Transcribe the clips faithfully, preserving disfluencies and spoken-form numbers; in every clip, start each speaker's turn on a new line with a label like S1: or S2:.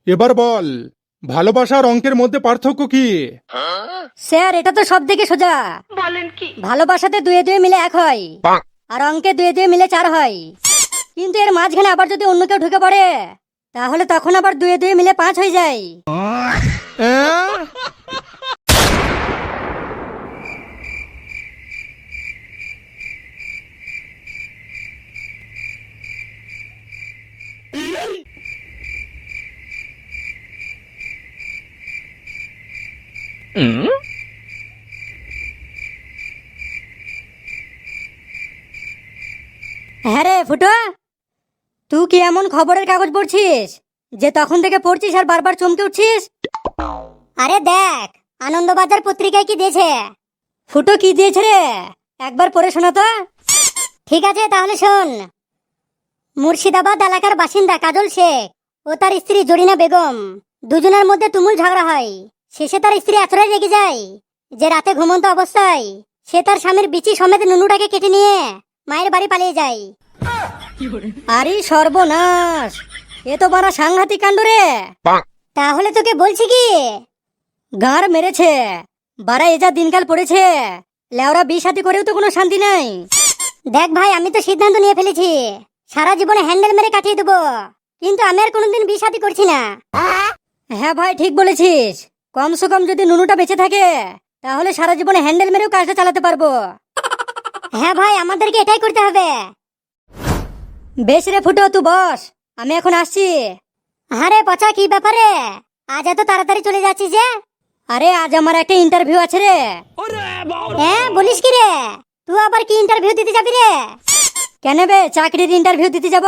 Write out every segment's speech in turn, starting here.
S1: এবার বল, ভালোবাসার অঙ্কের মধ্যে পার্থক্য কি?
S2: স্যার এটা তো সব থেকে সোজা। বলেন কি? ভালোবাসাতে দুয়ে দুয়ে মিলে এক হয়, আর অঙ্কে দুয়ে দুয়ে মিলে চার হয়। কিন্তু এর মাঝখানে আবার যদি অন্য কেউ ঢুকে পড়ে, তাহলে তখন আবার দুয়ে দুয়ে মিলে পাঁচ হয়ে যায়।
S1: অ্যাঁ?
S2: হ্যাঁ রে ফুটো, তুই কি এমন খবরের কাগজ পড়ছিস যে তখন থেকে পড়ছিস আর বারবার চমকে উঠছিস? আরে দেখ, আনন্দবাজার পত্রিকায় কি দিয়েছে। ফুটো কি দিয়েছে রে, একবার পড়ে শোনা তো। ঠিক আছে তাহলে শোন। মুর্শিদাবাদ এলাকার বাসিন্দা কাজল শেখ ও তার স্ত্রী জরিনা বেগম দুজনের মধ্যে তুমুল ঝগড়া হয়। শেষে তার স্ত্রী এতটাই রেগে যায় যে রাতে ঘুমন্ত অবস্থায় সে তার স্বামীর বিচি সমেত নুনুটাকে কেটে নিয়ে মায়ের বাড়ি পালিয়ে যায়। আরে সর্বনাশ, এ তো বড় সাংঘাতিক কাণ্ড রে। তাহলে তোকে বলছি কি, গাঁর মেরেছে বারা, এ যা দিনকাল পড়েছে, লেওরা বিয়ে শাদী করেও তো কোনো শান্তি নাই। দেখ ভাই, আমি তো সিদ্ধান্ত নিয়ে ফেলেছি, সারা জীবনে হ্যান্ডেল মেরে কাটিয়ে দেবো, কিন্তু আমি আর কোনোদিন বিয়ে শাদী করছি না। হ্যাঁ ভাই ঠিক বলেছিস, কমসে কম যদি নুনুটা বেঁচে থাকে তাহলে সারা জীবনে হ্যান্ডেল মেরেও কাজটা চালাতে পারবো। হ্যাঁ ভাই, আমাদেরকে এটাই করতে হবে। বেশ রে ফুটো, তুই বস, আমি এখন আসছি। আরে পচা, কি ব্যাপারে আজ এত তাড়াতাড়ি চলে যাচ্ছিস যে? আরে আজ আমার একটা ইন্টারভিউ আছে রে। হ্যাঁ বলিস কি রে, তুই আবার কি ইন্টারভিউ দিতে যাবি রে? কেন বে, চাকরির ইন্টারভিউ দিতে যাব?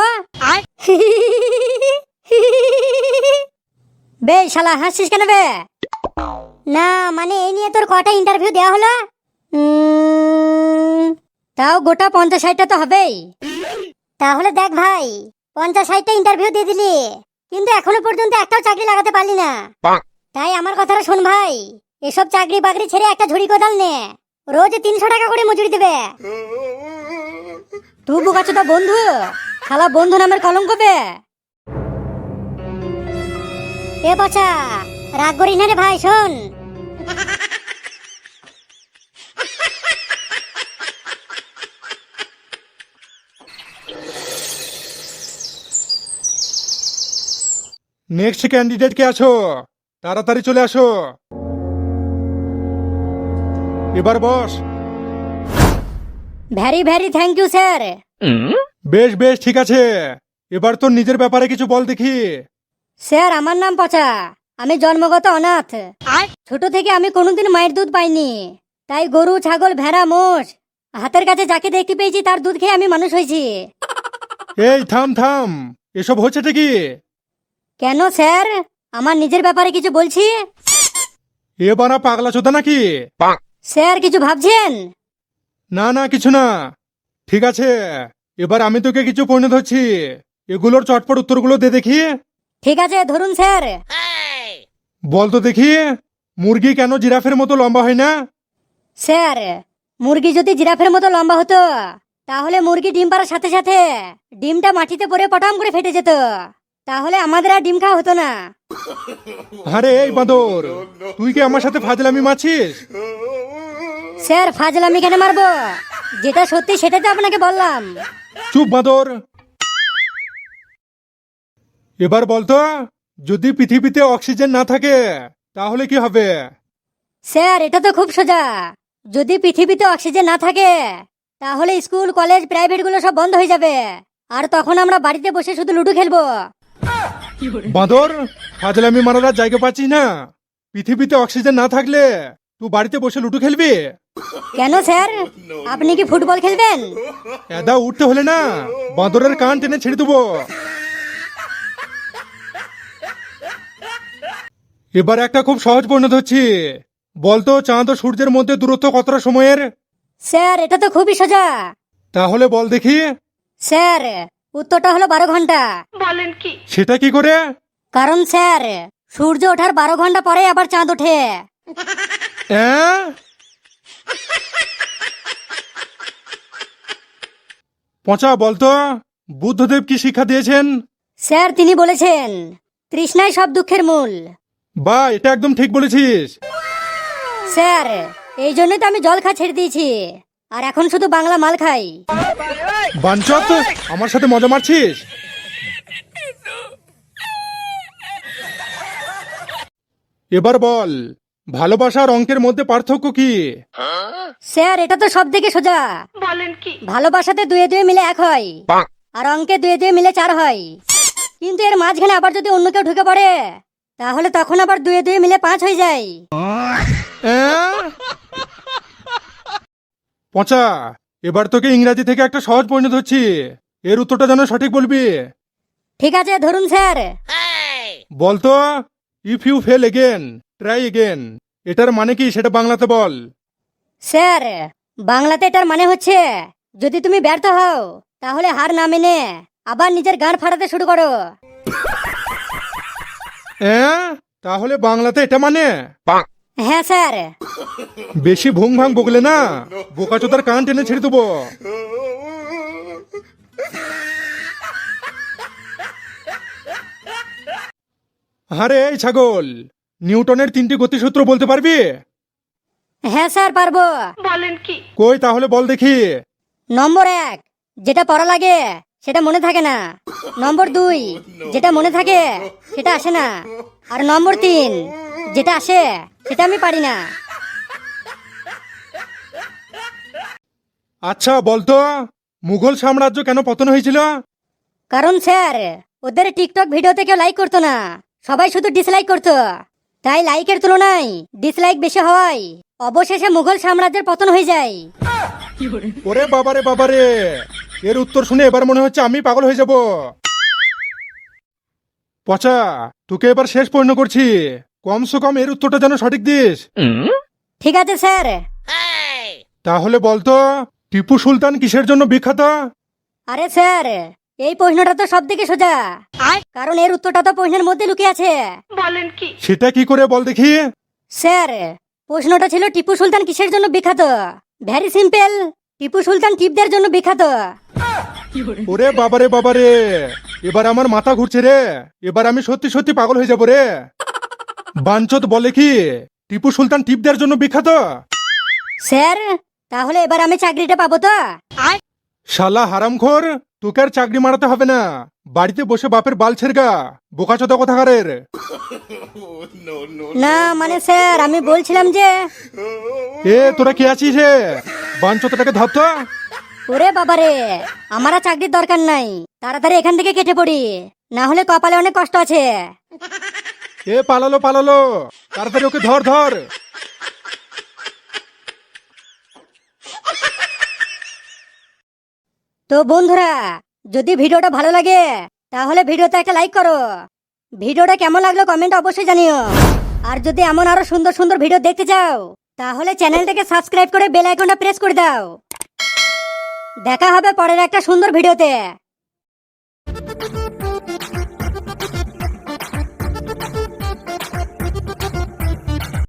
S2: বে শালা হাসছিস কেন বে? না মানে এই নিয়ে তোর কটা ইন্টারভিউ দেওয়া হলো? উম, তাও গোটা পঞ্চাশ ষাটটা তো হবেই। তাহলে দেখ ভাই, পঞ্চাশ ষাটটা ইন্টারভিউ দিয়ে দিলি, কিন্তু এখনো পর্যন্ত একটাও চাকরি লাগাতে পারলি না। তাই আমার কথাটা শোন ভাই, এসব চাকরি বাকরি ছেড়ে একটা ঝুড়ি কোদাল নে, রোজ তিনশো টাকা করে মজুরি দেবে। তুই বোকাচোদা বন্ধু, শালা বন্ধু নামের কলঙ্ক বে। এ বাচ্চা, রাগ করিস না রে ভাই, শোন।
S1: নেক্সট ক্যান্ডিডেট কে আছো? তাড়াতাড়ি চলে আসো। এবার বস।
S2: Very very thank you sir.
S1: বেশ বেশ ঠিক আছে, এবার তোর নিজের ব্যাপারে কিছু বল দেখি।
S2: স্যার আমার নাম পচা, আমি জন্মগত অনাথ। ছোট থেকে আমি কোনোদিন মায়ের দুধ পাইনি, তাই গরু ছাগল ভেড়া মোষ হাতের কাছে যাকে দেখতে পেয়েছি তার দুধ খেয়ে আমি মানুষ হয়েছি।
S1: এই থাম থাম, এসব হচ্ছেটা কি?
S2: কেন স্যার, আমার নিজের ব্যাপারে কিছু বলছি।
S1: এ বানা পাগলা চোদা নাকি?
S2: স্যার কিছু ভাবছেন?
S1: না না কিছু না। ঠিক আছে, এবার আমি তোকে কিছু পণ্য ধরছি, এগুলোর চটপট উত্তরগুলো দে দেখি।
S2: ঠিক আছে ধরুন স্যার।
S1: বল তো দেখি, মুরগি কেন জিরাফের মতো লম্বা হয় না?
S2: স্যার মুরগি যদি জিরাফের মতো লম্বা হতো তাহলে মুরগি ডিম পাড়ার সাথে সাথে ডিমটা মাটিতে পড়ে পটাম করে ফেটে যেত, তাহলে আমাদের আর ডিম খাওয়া হতো না।
S1: আরে এই বাঁদর, তুই কি আমার সাথে ফাজলামি মারছিস?
S2: স্যার ফাজলামি কেন মারবো, যেটা সত্যি সেটাই তো আপনাকে বললাম।
S1: চুপ বাঁদর। এবার বলতো, যদি পৃথিবীতে অক্সিজেন না থাকে তাহলে কি হবে?
S2: স্যার এটা তো খুব সোজা, যদি পৃথিবীতে অক্সিজেন না থাকে তাহলে স্কুল কলেজ প্রাইভেট গুলো সব বন্ধ হয়ে যাবে, আর তখন আমরা বাড়িতে বসে শুধু লুডো খেলবো।
S1: বাঁদর, ফাজলামি মারার আর জায়গা পাচ্ছিস না? পৃথিবীতে অক্সিজেন না থাকলে তুই বাড়িতে বসে লুডো খেলবি?
S2: কেন স্যার, আপনি কি ফুটবল খেলবেন?
S1: এদা উঠতে হলে না বাঁদরের কান টেনে ছেড়ে দেবো। এবার একটা খুব সহজ পরিণত হচ্ছি, বলতো চাঁদ ও সূর্যের মধ্যে দূরত্ব কতটা সময়ের?
S2: স্যার এটা তো খুবই সোজা।
S1: তাহলে বল দেখি।
S2: স্যার উত্তরটা হলো বারো ঘন্টা। বলেন কি?
S1: সেটা কি করে?
S2: কারণ স্যার সূর্য ওঠার বারো ঘন্টা পরে আবার চাঁদ ওঠে।
S1: অ্যাঁ? পচা বলতো, বুদ্ধদেব কি শিক্ষা দিয়েছেন?
S2: স্যার তিনি বলেছেন তৃষ্ণাই সব দুঃখের মূল।
S1: বা এটা একদম ঠিক বলেছিস।
S2: স্যার, এই জন্যই তো আমি জল খা ছেড়ে দিয়েছি, আর এখন শুধু বাংলা মাল খাই।
S1: বাঞ্চত, আমার সাথে মজা মারছিস? এবার বল, ভালোবাসা আর অঙ্কের মধ্যে পার্থক্য কি?
S2: স্যার, এটা তো সব থেকে সোজা। বলেন কি? ভালোবাসাতে দুয়ে দুয়ে মিলে এক হয়, আর অঙ্কে দুয়ে দুয়ে মিলে চার হয়। কিন্তু এর মাঝখানে আবার যদি অন্য কেউ ঢুকে পড়ে, তাহলে তখন আবার দুয়ে দুয়ে মিলে পাঁচ হয়ে যায়।
S1: অ্যাঁ? পচা, এবার তোকে ইংরাজি থেকে একটা সহজ পরিণত হচ্ছি, এর উত্তরটা যেন সঠিক বলবি।
S2: ঠিক আছে, ধরুন স্যার।
S1: বলতো, if you fail again try again, এটার মানে কি সেটা বাংলাতে বল।
S2: স্যার, বাংলাতে এটার মানে হচ্ছে, যদি তুমি ব্যর্থ হও তাহলে হার না মেনে আবার নিজের গান ফাটাতে শুরু করো।
S1: হ্যাঁ, তাহলে বাংলাতে এটা মানে?
S2: হ্যাঁ স্যার।
S1: বেশি ভুং ভাং বকলে না বোকাচোদার কান টেনে ছেড়ে দেবো। আরে এই ছাগল, নিউটনের তিনটি গতিসূত্র বলতে পারবি?
S2: হ্যাঁ স্যার, পারবো। বলেন কি?
S1: কই তাহলে বল দেখি।
S2: নম্বর এক, যেটা পড়া লাগে সেটা মনে থাকে না। নম্বর দুই, যেটা মনে থাকে সেটা আসে না। আর নম্বর তিন, যেটা আসে সেটা আমি পারি না।
S1: আচ্ছা বলতো, মুঘল সাম্রাজ্য কেন পতন হয়েছিল?
S2: কারণ স্যার, ওদের টিকটক ভিডিওতে কেউ লাইক করতো না, সবাই শুধু ডিসলাইক করতো। তাই লাইকের তুলনায় ডিসলাইক বেশি হওয়ায় অবশেষে মুঘল সাম্রাজ্যের পতন হয়ে যায়।
S1: ওরে বাবারে বাবারে, এর উত্তর শুনে এবার মনে হচ্ছে আমি পাগল হয়ে যাব। পচা, তোকে এবার শেষ প্রশ্ন করছি, কমসে কম এর উত্তরটা যেন সঠিক দিস।
S2: ঠিক আছে স্যার।
S1: তাহলে বলতো, টিপু সুলতান কিসের জন্য বিখ্যাত?
S2: আরে স্যার, এই প্রশ্নটা তো সব থেকে সোজা, কারণ এর উত্তরটা তো প্রশ্নের মধ্যে লুকিয়ে আছে। বলেন কি?
S1: সেটা কি করে বল দেখি।
S2: স্যার, প্রশ্নটা ছিল টিপু সুলতান কিসের জন্য বিখ্যাত। ভেরি সিম্পল, টিপু সুলতান টিপদের জন্য বিখ্যাত।
S1: ওরে বাবারে বাবারে, এবার আমার মাথা ঘুরছে রে, এবার আমি সত্যি সত্যি পাগল হয়ে যাব রে। বাঞ্চত বলে কি টিপু সুলতান টিপদের জন্য বিখ্যাত?
S2: স্যার, তাহলে এবার আমি চাকরিটা পাবো তো?
S1: শালা হারামখোর, তোকে আর চাকরি মারাতে হবে না, বাড়িতে বসে বাপের বাল ছেড়গা, বোকাচোদা কোথাকারের।
S2: না মানে স্যার, আমি বলছিলাম যে।
S1: এ তোরা কি আছিস রে? বাঞ্চতটাকে ধর তো।
S2: ওরে বাবারে, আমার আর চাকরির দরকার নাই, তাড়াতাড়ি এখান থেকে কেটে পড়ি, না হলে কপালে অনেক কষ্ট আছে।
S1: এ পালালো পালালো, তাড়াতাড়ি ওকে ধর ধর।
S2: তো বন্ধুরা, যদি ভিডিওটা ভালো লাগে তাহলে ভিডিওতে একটা লাইক করো। ভিডিওটা কেমন লাগলো কমেন্ট অবশ্যই জানিও। আর যদি এমন আরো সুন্দর সুন্দর ভিডিও দেখতে চাও তাহলে চ্যানেলটাকে সাবস্ক্রাইব করে বেল আইকনটা প্রেস করে দাও। দেখা হবে পরের একটা সুন্দর ভিডিওতে।